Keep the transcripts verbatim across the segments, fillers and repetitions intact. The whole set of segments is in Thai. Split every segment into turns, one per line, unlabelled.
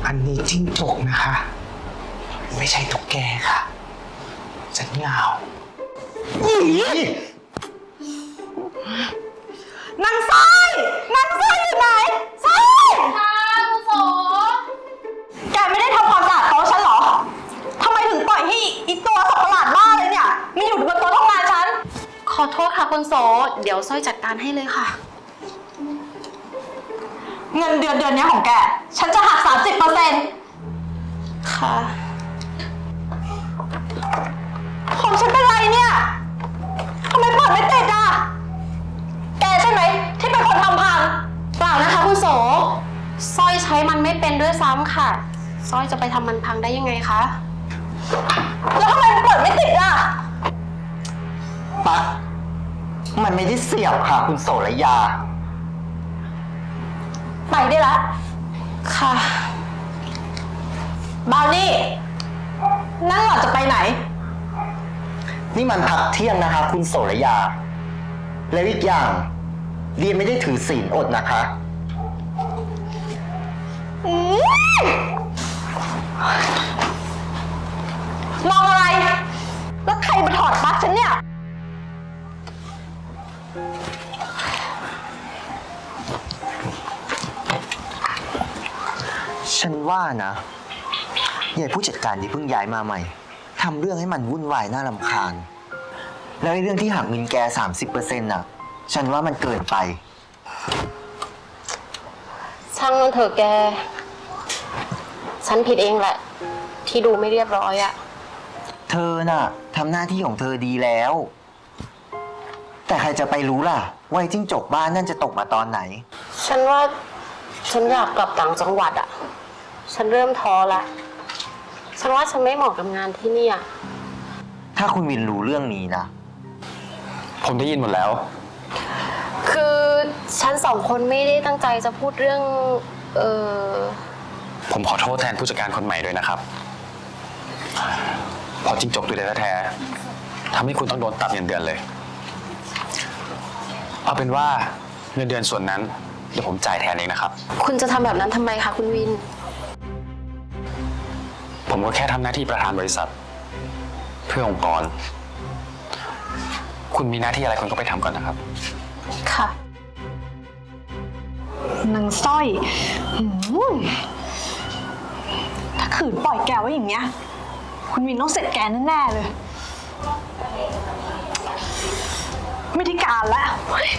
อันนี้จิ้งจกนะคะ ไม่ใช่ตุ๊กแกค่ะฉันเหงาอีนางสร้อยนางสร้อยอยู่ไหนสร้อย
ค่ะคุณโส
แกไม่ได้ทำความสะอาดโต๊ะฉันเหรอทำไมถึงปล่อยให้อีตัวสัตว์ประหลาดบ้าเลยเนี่ยมันอยู่บนโต๊ะทำงานฉัน
ขอโทษค่ะคุณโสเดี๋ยวสร้อยจัดการให้เลยค่ะ
เงินเดือนเดือนนี้ของแกฉันจะหัก สามสิบเปอร์เซ็นต์
ค่ะ
ของฉันเป็นไรเนี่ยทำไมเปิดไม่ติดอ่ะแกใช่ไหมที่เป็นคนทำพัง
เปล่านะคะคุณโสสร้อยใช้มันไม่เป็นด้วยซ้ำค่ะสร้อยจะไปทำมันพังได้ยังไงคะ
แล้วทำไมมันเปิดไม่ติดอ่ะ
ปั๊กมันไม่ได้เสียบค่ะคุณโสระยา
ไปได้ละ
ค่ะ
บาวนี่นั่งหล่อจะไปไหน
นี่มันพักเที่ยงนะคะคุณโสระยาแล้วอีกอย่างเรียนไม่ได้ถือศีลอดนะคะ
มองอะไรแล้วใครมาถอดปลั๊กฉันเนี่ย
ฉันว่านะยายผู้จัดการที่เพิ่งย้ายมาใหม่ทำเรื่องให้มันวุ่นวายน่ารำคาญแล้วไอ้เรื่องที่หักเงินแก สามสิบเปอร์เซ็นต์ น่ะฉันว่ามันเกินไป
ช่างมันเถอะแกฉันผิดเองแหละที่ดูไม่เรียบร้อยอะ
เธอน่ะทำหน้าที่ของเธอดีแล้วแต่ใครจะไปรู้ล่ะว่าจิ้งจกบ้านนั่นจะตกมาตอนไหน
ฉันว่าฉันอยากกลับต่างจังหวัดอะฉันเริ่มท้อละฉันว่าฉันไม่เหมาะกับงานที่นี่อะ
ถ้าคุณวินรู้เรื่องนี้นะ
ผมได้ยินหมดแล้ว
คือฉันสองคนไม่ได้ตั้งใจจะพูดเรื่องเออ
ผมขอโทษแทนผู้จัดการคนใหม่ด้วยนะครับพอจิ้งจกตัวแท้ๆทำให้คุณต้องโดนตัดเงินเดือนเลยเอาเป็นว่าเงินเดือนส่วนนั้นเดี๋ยวผมจ่ายแทนเองนะครับ
คุณจะทำแบบนั้นทำไมคะคุณวิน
ผมก็แค่ทำหน้าที่ประธานบริษัทเพื่อองค์กรคุณมีหน้าที่อะไรคุณก็ไปทำก่อนนะครับ
ค่ะ
นางสร้อยถ้าขืนปล่อยแกไว้อย่างเงี้ยคุณวินต้องเสร็จแกแน่ๆเลยไม่ได้การแล้ว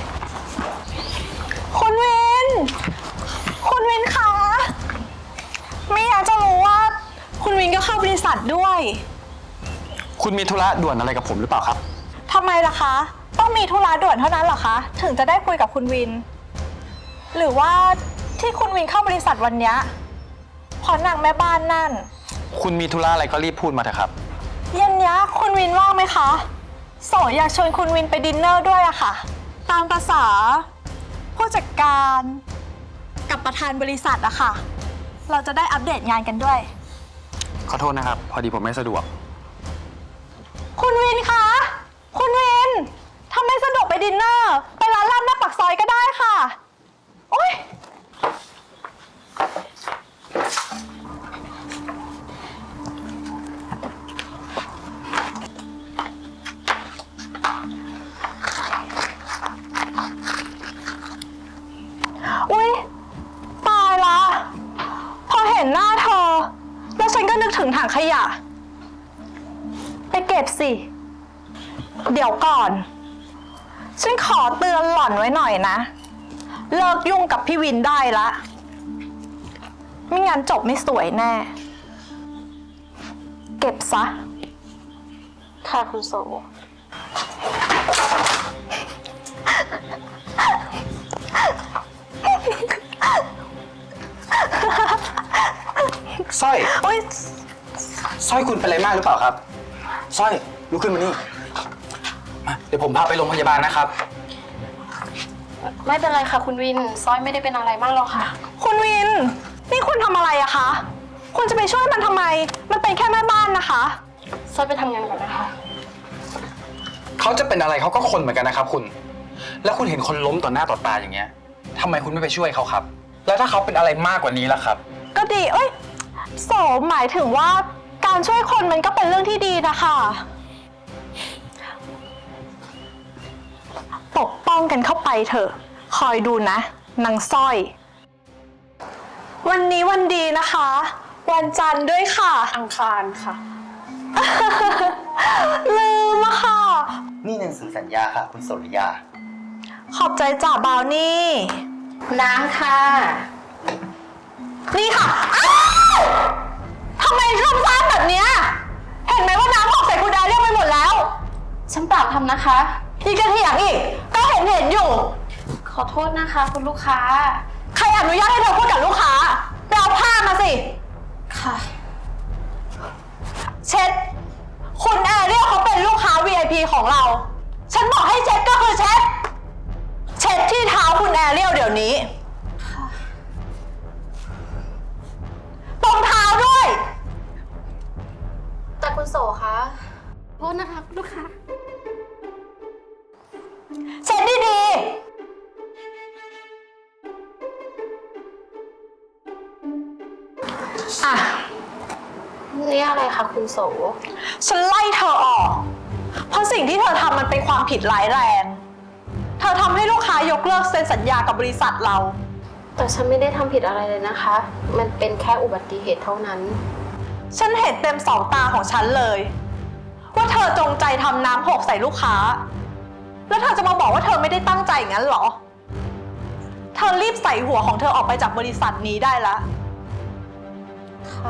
คุณวินคุณวินคะไม่อยากจะรู้ว่าคุณวินก็เข้าบริษัทด้วย
คุณมีธุระด่วนอะไรกับผมหรือเปล่าครับ
ทำไมล่ะคะต้องมีธุระด่วนเท่านั้นเหรอคะถึงจะได้คุยกับคุณวินหรือว่าที่คุณวินเข้าบริษัทวันนี้เพราะนางแม่บ้านนั่น
คุณมีธุระอะไรก็รีบพูดมาเถอะครับ
เย็นนี้คุณวินว่างไหมคะโสอยากชวนคุณวินไปดินเนอร์ด้วยอะค่ะตามภาษาผู้จัดการกับประธานบริษัทอะค่ะเราจะได้อัปเดตงานกันด้วย
ขอโทษนะครับพอดีผมไม่สะดวก
คุณวินคะคุณวินถ้าไม่สะดวกไปดินเนอร์ไปร้านลาบหน้าปากซอยก็ได้ค่ะโอ๊ยอุ๊ยตายละพอเห็นหน้าเธอแล้วฉันก็นึกถึงถังขยะไปเก็บสิเดี๋ยวก่อนฉันขอเตือนหล่อนไว้หน่อยนะเลิกยุ่งกับพี่วินได้ละไม่งั้นจบไม่สวยแน่เก็บซะ
ค่ะคุณโส
สร้อยสร้อยคุณเป็นอะไรมากหรือเปล่าครับสร้อยลุกขึ้นมานี่มาเดี๋ยวผมพาไปโรงพยาบาลนะครับ
ไม่เป็นไรค่ะคุณวินสร้อยไม่ได้เป็นอะไรมากหรอกค่ะ
คุณวินนี่คุณทำอะไรอะคะคุณจะไปช่วยมันทำไมมันเป็นแค่แม่บ้านนะคะ
สร้อยไปทำงานก่อนนะคะ
เขาจะเป็นอะไรเขาก็คนเหมือนกันนะครับคุณแล้วคุณเห็นคนล้มต่อหน้าต่อตาอย่างเงี้ยทำไมคุณไม่ไปช่วยเขาครับแล้วถ้าเขาเป็นอะไรมากกว่านี้ล่ะครับ
ก็ดีเอ้ยโสหมายถึงว่าการช่วยคนมันก็เป็นเรื่องที่ดีนะคะปกป้องกันเข้าไปเถอะ คอยดูนะนางสร้อย วันนี้วันดีนะคะ วันจันทร์ด้วยค่ะ
อังคารค่ะ
ลืมอะค่ะ
นี่หนังสือสัญญาค่ะ คุณโสริยา
ขอบใจจ่าบาวนี่
น้ำค่ะ
นี่ค่ะ อ้าวทำไมทำซ้ำแบบเนี้ยเห็นไหมว่าน้ำหกใส่คุณแอเรียกไปหมดแล้ว
ฉันเปล่าทำนะคะ
อีกกระเถียงอีก ก็เห็นเห็นอยู่
ขอโทษนะคะคุณลูกค้า
ใครอนุญาตให้เธอพูดกับลูกค้าไปเอาผ้ามาสิ
ค่ะ
เช็ด คุณแอเรียลเขาเป็นลูกค้า วี ไอ พี ของเรา ฉันบอกให้เช็ดก็คือเช็ด เช็ดที่เท้าคุณแอเรียลเดี๋ยวนี้ตรงเท้าด้วย
แต่คุณโสคะโทษนะคะคุณลูกค้า
เช็ดดีๆอ่ะ
นี่อะไรคะคุณโส
ฉันไล่เธอออก เพราะสิ่งที่เธอทำมันเป็นความผิดร้ายแรง เธอทำให้ลูกค้ายกเลิกเซ็นสัญญากับบริษัทเรา
แต่ฉันไม่ได้ทำผิดอะไรเลยนะคะ มันเป็นแค่อุบัติเหตุเท่านั้น
ฉันเห็นเต็มสองตาของฉันเลย ว่าเธอจงใจทำน้ำหกใส่ลูกค้า แล้วเธอจะมาบอกว่าเธอไม่ได้ตั้งใจงั้นเหรอ เธอรีบใส่หัวของเธอออกไปจากบริษัทนี้ได้แล้ว
ค่ะ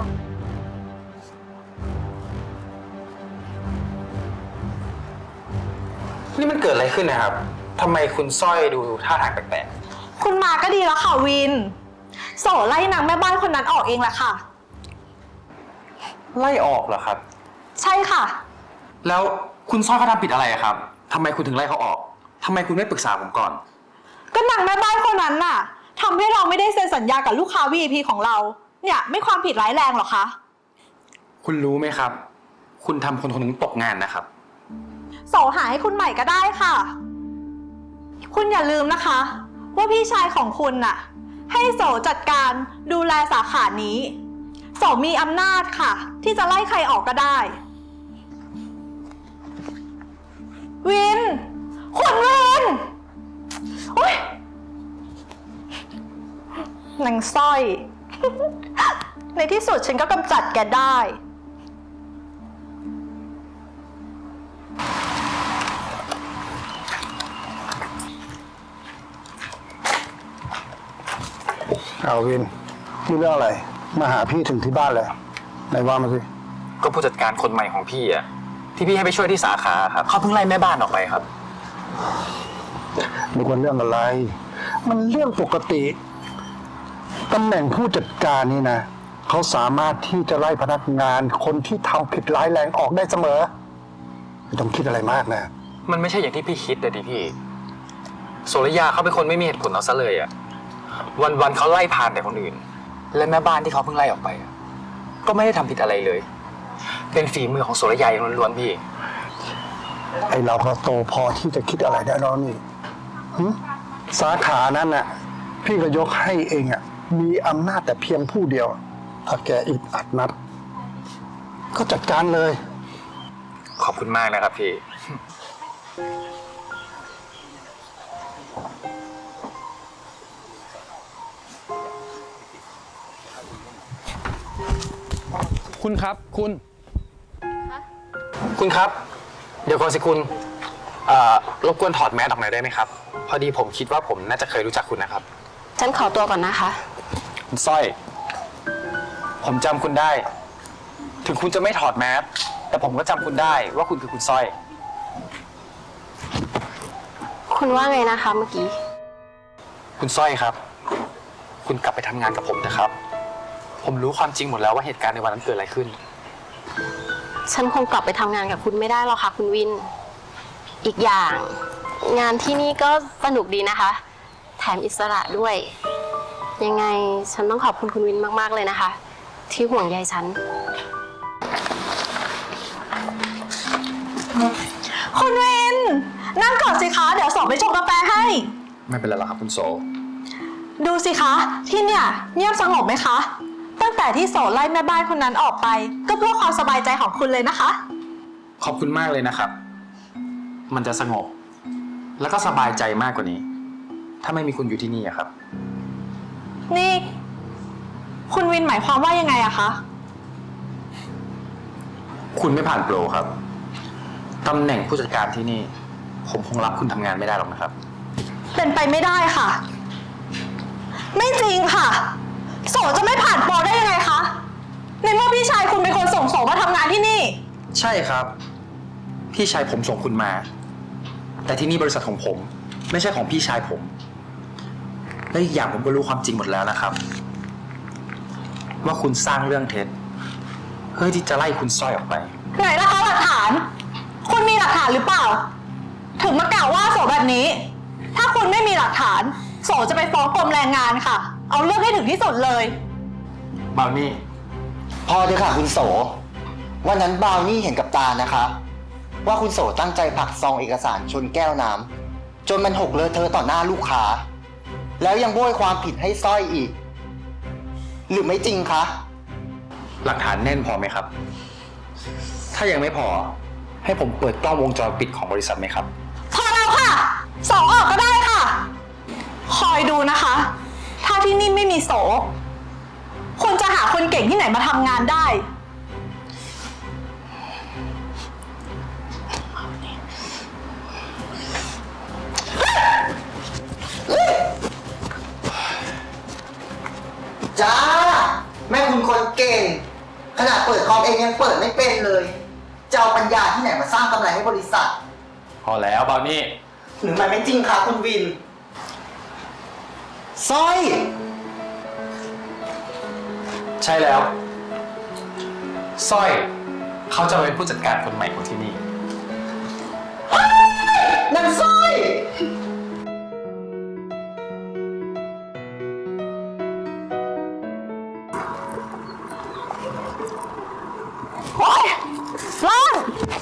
นี่มันเกิดอะไรขึ้นนะครับทำไมคุณสร้อยดูท่าทางแปลก
คุณมาก็ดีแล้วค่ะวิน โสไล่นางแม่บ้านคนนั้นออกเองแหละค่ะ
ๆไล่ออกเหรอครับ
ใช่ค่ะ
แล้วคุณสร้อยเขาทำผิดอะไรอะครับทำไมคุณถึงไล่เขาออกทำไมคุณไม่ปรึกษาผมก่อน
ก็นางแม่บ้านคนนั้นน่ะทำให้เราไม่ได้เซ็นสัญญากับลูกค้า วี ไอ พี ของเรา เนี่ยไม่ความผิดร้ายแรงหรอคะ
คุณรู้ไหมครับ คุณทำคนคนหนึ่งตกงานนะครับ
โสหาให้คุณใหม่ก็ได้ค่ะ คุณอย่าลืมนะคะ ว่าพี่ชายของคุณน่ะ ให้โสจัดการดูแลสาขานี้ โสมีอำนาจค่ะ ที่จะไล่ใครออกก็ได้ วิน คุณวินอุ๊ยนางสร้อย ในที่สุดฉันก็กำจัดแกได้
เอาวินมีเรื่องอะไร มาหาพี่ถึงที่บ้านเลยไหนว่ามาสิ
ก็ผู้จัดการคนใหม่ของพี่อะที่พี่ให้ไปช่วยที่สาขาครับเขาเพิ่งไล่แม่บ้านออกไปครับ
นึกว่าเรื่องอะไร มันเรื่องปกติตำแหน่งผู้จัดการนี่นะเขาสามารถที่จะไล่พนักงานคนที่ทำผิดร้ายแรงออกได้เสมอไม่ต้องคิดอะไรมากนะ
มันไม่ใช่อย่างที่พี่คิดเลยดิพี่โสริยาเขาเป็นคนไม่มีเหตุผลเอาซะเลยอะวันๆเขาไล่ผ่านแต่คนอื่น และแม่บ้านที่เขาเพิ่งไล่ออกไปอะก็ไม่ได้ทำผิดอะไรเลย เป็นฝีมือของโสริยาอย่างล้วนๆพี่
ไอเราก็โตพอที่จะคิดอะไรได้แล้วนี่หึสาขานั้นน่ะพี่ก็ยกให้เองอ่ะมีอำนาจแต่เพียงผู้เดียว ถ้าแกอึดอัดนัด ก็จัดการเลย
ขอบคุณมากนะครับพี่ คุณครับคุณ คุณครับ เดี๋ยวก่อนสิคุณเอ่อรบกวนถอดแมสออกหน่อยได้ไหมครับ พอดีผมคิดว่าผมน่าจะเคยรู้จักคุณนะครับ
ฉันขอตัวก่อนนะคะ
คุณสร้อย ผมจำคุณได้ ถึงคุณจะไม่ถอดแมสแต่ผมก็จำคุณได้ว่าคุณคือคุณสร้อย
คุณว่าไงนะคะเมื่อกี้
คุณสร้อยครับ คุณกลับไปทำงานกับผมนะครับ ผมรู้ความจริงหมดแล้วว่าเหตุการณ์ในวันนั้นเกิดอะไรขึ้น
ฉันคงกลับไปทำงานกับคุณไม่ได้หรอกค่ะคุณวิน อีกอย่าง งานที่นี่ก็สนุกดีนะคะ แถมอิสระด้วย ยังไงฉันต้องขอบคุณคุณวินมากๆเลยนะคะ ที่ห่วงใยฉัน
คุณวิน นั่งก่อนสิคะ เดี๋ยวส่งไปชงกาแฟให้
ไม่เป็นไรหรอกครับคุณโส
ดูสิคะ ที่เนี่ยเงียบสงบไหมคะตั้งแต่ที่โสไล่แม่บ้านคนนั้นออกไป ก็เพื่อความสบายใจของคุณเลยนะคะ
ขอบคุณมากเลยนะครับ มันจะสงบ แล้วก็สบายใจมากกว่านี้ ถ้าไม่มีคุณอยู่ที่นี่อะครับ
นี่ คุณวินหมายความว่ายังไงอะคะ
คุณไม่ผ่านโปรครับ ตำแหน่งผู้จัดการที่นี่ ผมคงรับคุณทำงานไม่ได้หรอกนะครับ
เป็นไปไม่ได้ค่ะ ไม่จริงค่ะ โสจะไม่ผ่านโปรได้ยังไงคะ ในเมื่อพี่ชายคุณเป็นคนส่งโสมาทำงานที่นี่
ใช่ครับ พี่ชายผมส่งคุณมา แต่ที่นี่บริษัทของผม ไม่ใช่ของพี่ชายผม และอีกอย่างผมก็รู้ความจริงหมดแล้วนะครับ ว่าคุณสร้างเรื่องเท็จเพื่อที่จะไล่คุณสร้อยออกไป
ไหนล่ะคะหลักฐาน คุณมีหลักฐานหรือเปล่า ถึงมากล่าวว่าโสแบบนี้ ถ้าคุณไม่มีหลักฐาน โสจะไปฟ้องกรมแรงงานค่ะ เอาเรื่องให้ถึงที่สุดเลย
บาวนี่
พอเถอะค่ะคุณโส วันนั้นบาวนี่เห็นกับตานะคะ ว่าคุณโสตั้งใจผลักซองเอกสารชนแก้วน้ำจนมันหกเลอะเทอะต่อหน้าลูกค้า แล้วยังโบยความผิดให้สร้อยอีก หรือไม่จริงคะ
หลักฐานแน่นพอไหมครับ ถ้ายังไม่พอ ให้ผมเปิดกล้องวงจรปิดของบริษัทไหมครับ
พอแล้วค่ะ สองออกก็ได้ค่ะ คอยดูนะคะ ถ้าที่นี่ไม่มีโส คุณจะหาคนเก่งที่ไหนมาทำงานได้
จ้า แม่คุณคนเก่ง ขนาดเปิดคอมเองยังเปิดไม่เป็นเลย จะเอาปัญญาที่ไหนมาสร้างกำไรให้บริษัท
พอแล้วบาวนี่
หรือมันไม่จริงคะคุณวินสร้อย
ใช่แล้วสร้อย เขาจะเป็นผู้จัดการคนใหม่ของที่นี่
นั่นสร้อย
โอ๊ยร้อน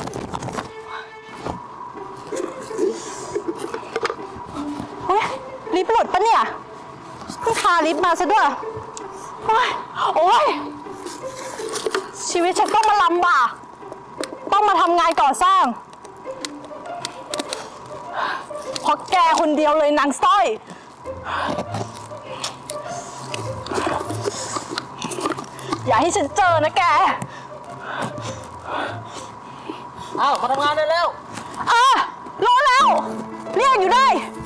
เฮ้ยลิฟต์หลุดปะเนี่ยเพิ่งคาลิฟต์มาซะด้วย โอ๊ย โอ๊ย ชีวิตฉันต้องมาลำบาก ต้องมาทำงานก่อสร้าง เพราะแกคนเดียวเลยนางสร้อย อย่าให้ฉันเจอนะแก
อ้าว มาทำงานได้แล้ว
เออรู้แล้ว เรียกอยู่ได้